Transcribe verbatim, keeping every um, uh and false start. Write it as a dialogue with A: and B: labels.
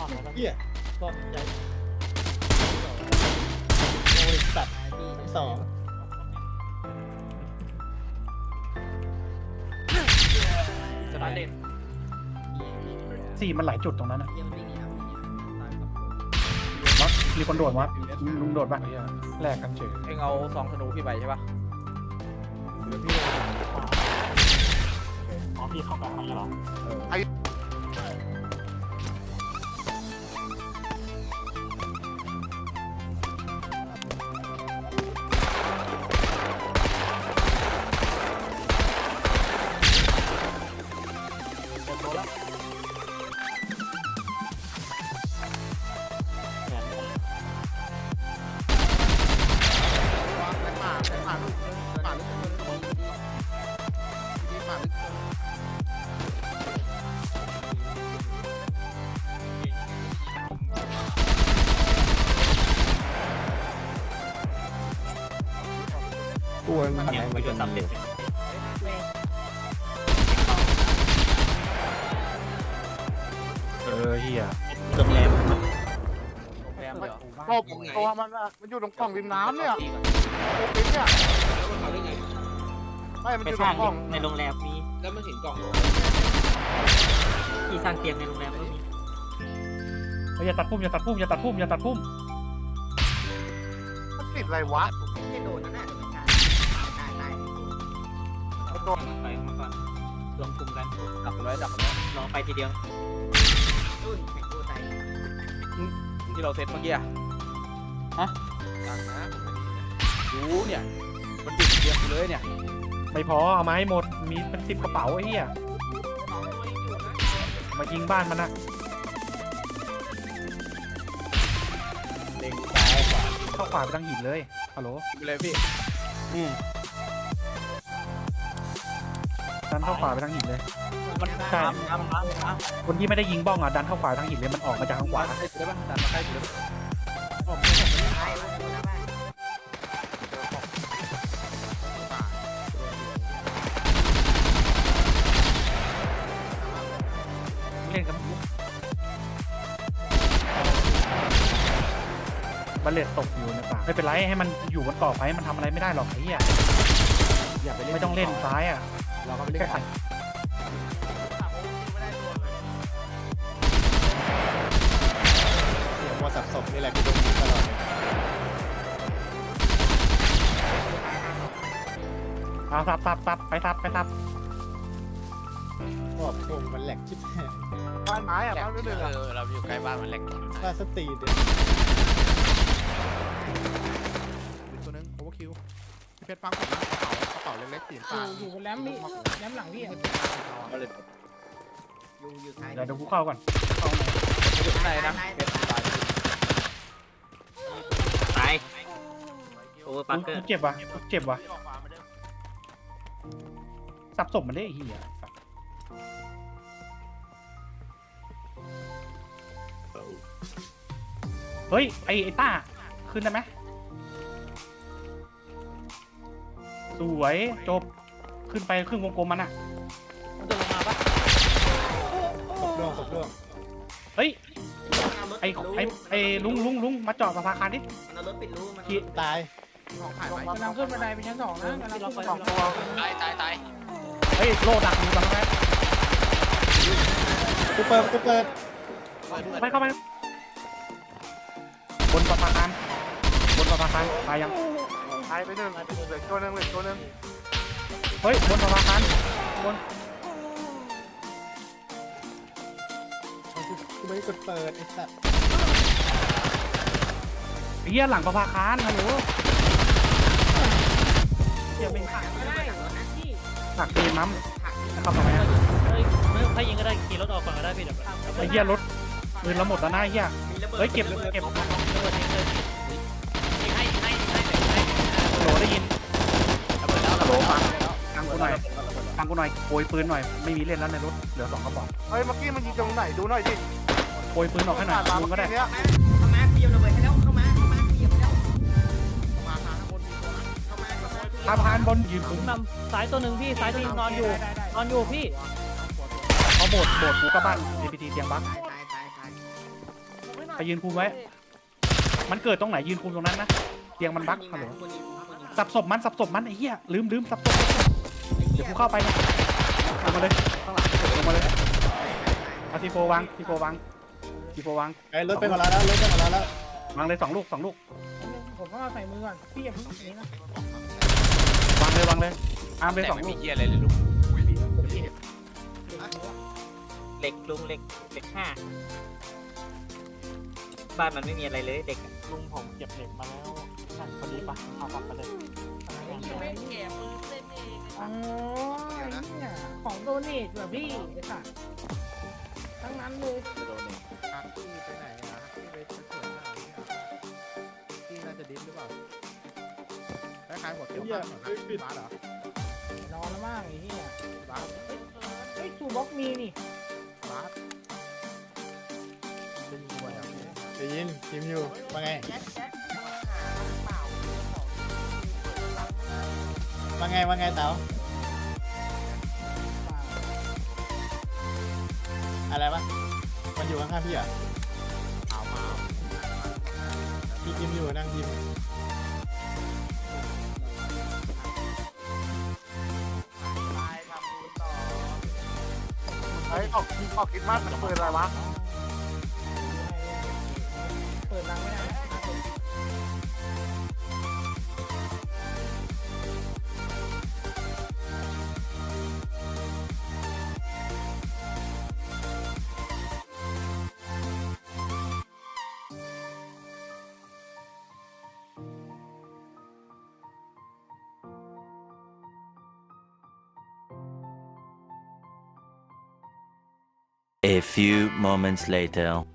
A: เหี้ยก็ใหญ่โอ้ยสัตว์สองจะได้เล่น
B: สี่มันหลายจุดตรงนั้นนะวัดมีคนโดดวัดลุงโดดปะแลกกันเฉย
C: เอ็งเอาซองธนูพี่ไปใช่ปะเดี๋ยวพี่
A: อ๋อพี่เข้ากลางมันเหรอ
B: ตัวมัน
A: เนี่ยมันจะตัดเด็ด
B: เออเฮีย
A: โรงแรม
C: แรมเหรอ
D: ก็ตัวมันอะมันอยู่ตรงกล่องริมน้ำเนี่ยโอ้ยเนี่ยไม่มัน
A: ไป
D: อยู่
A: ส
D: ตร
A: ร้าง
D: งกล่อง
A: ในโรงแรมมี
E: แล้วมันเห็นกล่อง
A: ที่สร้างเตียงในโรงแรมก็มี
B: อย่าตัดพุ่มอย่าตัดพุ่มอย่าตัดพุ่มอย่าตัดพุ่ม
D: มันติดอะไรวะ
F: ไม่โดนนั่นแหละตายตาย
D: มันโดน
A: ไปมาก่อนรวมกลุ่มกัน
C: ดับมันไว้ดับมันไว้
A: ลองไปทีเดียว
F: รุ่นแข่งกูตาย
C: ที่เราเซตเมื่อกี้อะรู้เนี่ยมันดึงเตียงกูเลยเนี่ย
B: ไม่พอเอามาให้หมดมีเป็นสิบกระเป๋าไอ้เหี้ยมายิงบ้านมันนะ
C: เล็งซ้ายขวา
B: เข้าขวาไปทางหินเลยฮัลโหล
C: ไปเลยพี่
B: อืมดันเข้าขวาไปทางหินเลย
C: มัน
B: ใช่
C: น้ำน้ำน้ำน้ำ
B: คนที่ไม่ได้ยิงบ้องอ่ะดันเข้าขวาทางหินเลยมันออกมาจากทางขวา
C: ใกล้สุดได้ปะดันมาใกล้สุดได้ปะ
F: ตายแล้วกูนะบ้าน
B: เล่นกับบัลเลตตกอยู่ในป่าไม่เป็นไรให้มันอยู่บนเกาะไปมันทำอะไรไม่ได้หรอกไอ้เหี้ย
C: อย่าไปเล่น
B: ไม่ต้องเล่นซ้ายอ่ะ
C: เราก็ไปเล่น
B: แค่
C: ขวา
A: เสียงวัวสับสนนี่แหละกูโดนยิงตลอดเลย
B: เอาซับซับซับไปซับไปซับ
A: ขอบผมมันแหลกชิบหาย
D: บ้านไม้อะบ้านเรื่อยๆอะ
E: เราอยู่ใกล้บ้านมันแหลก
A: ค่าสตรีด
D: ตัวนึงโอเวอร์คิวเพชรฟังกระเป๋ากระเป๋าเล็กๆสีฟ้า
G: อยู่บนแรมนี่แรมหลังพี่อะ
C: เอาเลย
F: อยู่อยู่ท้าย
B: เดี๋ยวเดี๋ยวกูเข้าก่อนเข้าหน่อย
C: อยู่ข้างในนะเป็นตาย
A: ตายโอเวอร์ปักเกอ
B: กู
A: ร์
B: เจ็บว่ะกูเจ็บว่ะสับศพมันได้ไอ้เหี้ยสับเฮ้ยไอ้ไอ้ต้าขึ้นได้ไหมสวยจบขึ้นไปครึ่งวงกลมมันอ่ะ
C: มันจะลงมาปะ
A: ศพร่วงศพร่วง
B: เฮ้ยไอ้ไอ้ไอ้ลุงลุงลุงมาจอดสะพานคันดิ
F: มันเอารถปิดรูมัน
A: ตาย
F: ของผ่านไป
G: กำลังขึ้นบันไดไปชั้นสองนะกำลังขึ้นบันได
D: สองตัว
E: ตายตายตาย
B: เฮ้ยโลดักอยู่ตรงนั้น
A: กูเปิดกูเปิด
B: เข้าไปเข้าไปบนสะพานบนสะพานตายยัง
D: หายไปหนึ่งเหลือตัวนึงเหลือตัวนึง
B: เฮ้ยบนสะพานบน
A: กูไม่ได้กดเปิดไอ้สัตว์
B: เฮียหลังสะพานฮัลโหล
G: อย่าเป็นผักไม่ได้พี่
B: หักตีมั้มเข้ามาไหม
G: เฮ้ยไม่ถ้ายิงก็ได้ขี่รถออกก่อนก็ได้พี่เดี๋ยว
B: ไอ้เฮียรถปืนเราหมดแล้วนะไอ้เฮียเฮ้ยเก็บเก็บ
G: ระเบิดทิ้งเลยยิงให้ยิงให้ยิงให้ยิงให้
B: โหลได้ยิน
C: ระเบิดแล้ว
B: ฮั
C: ระ
B: ลโหล
C: เบิด
B: ฟัง
C: แล้ว
B: ฟังกูหน่อยฟังกูหน่อยโกยปืนหน่อยไม่มีเล่นแล้วในรถเหลือสองกระบอก
D: เฮ้ยเมื่อกี้มันยิงตรงไหนดูหน่อยดิ
B: โกยปืนออกให้หน่อย
D: มา
B: ลุ
D: เมื่
B: ง
D: อ
B: ก็ได้
D: กี้เนี้ย
F: เข้ามาเตรียมระเบิดให้แล้วเข้ามาเข้ามาเตรียมแล้ว
D: มาหาข้างบนมีตัวนะ
F: เข้ามาเข้ามา
B: สะพานบนยืนผม
G: นำซ้ายตัวหนึ่งพี่ซ้ายตัวหนึงนอนอยู่นอนอยู่พี่
B: เขาโบดโบดกูก็บ้าน เอ พี ที เตียงบัก
F: ตายตายตายตาย
B: ไปยืนคุมไว้ มันเกิดตรงไหนยืนคุมตรงนั้นนะเตียงมันบั๊กฮัลโหล
F: คนยิงคนยิง
B: สับศพมันสับศพมันไอ้เหี้ยลืมลืมสับศพเดี๋ยวกูเข้าไปนะลงมาเลยข้างหลังลงมาเลยเอาทีโฟวางทีโฟวางทีโฟวาง
A: ไอ้รถไปหมดแล้วรถไปหมดแล้วแล้ว
B: วางเลยสองลูกสองลูก
E: ผมก็ใส่มือก่อนพี่อย่าเพิ่งนี้นะ
B: วางเลยวางเลยอาร์มเลย
G: แต่
B: สอง
G: ไม่
B: ลู
G: มี
B: ก
G: เฮียอะไรเลยลูก
H: เหล็กลุงเหล็กเหล็กห้าบ้านมันไม่มีอะไรเลยเด็ก
A: ลุงผมเก็บเหล็กมาแล้วนั่นพอดีปะเอากลับไปเลย
E: อ๋อเนี่ยของโดเนทแบบพี่ไอ้สัสทั้งนั้นเลย
D: ฮักกี้ไปไหนอะฮักกี้ไปสวนหน้าเนี่ยฮักกี้น่าจะดิ้นหรือเปล่าคล้ายๆหัวเขียวข้างเหมือนฮักกี้บาสเหรอน
E: อนแล้วมั่งไอ้เหี้ย
D: บาส
E: เฮ้ยทูบ็อกมีนี่
D: บาสจะยิงด้วยอ่ะ
A: ได้ยินทีมอยู่ว่าไงว่าไงว่าไงเต๋าอะไรวะมันอยู่ข้างๆพี่เหรอ
D: เอามา
A: พี่ทีมอยู่นั่งทีม
B: ไอ้ออกออกคิดมากเปิดอะไรวะ
E: เปิดรังไม่ได้นะ
I: A few moments later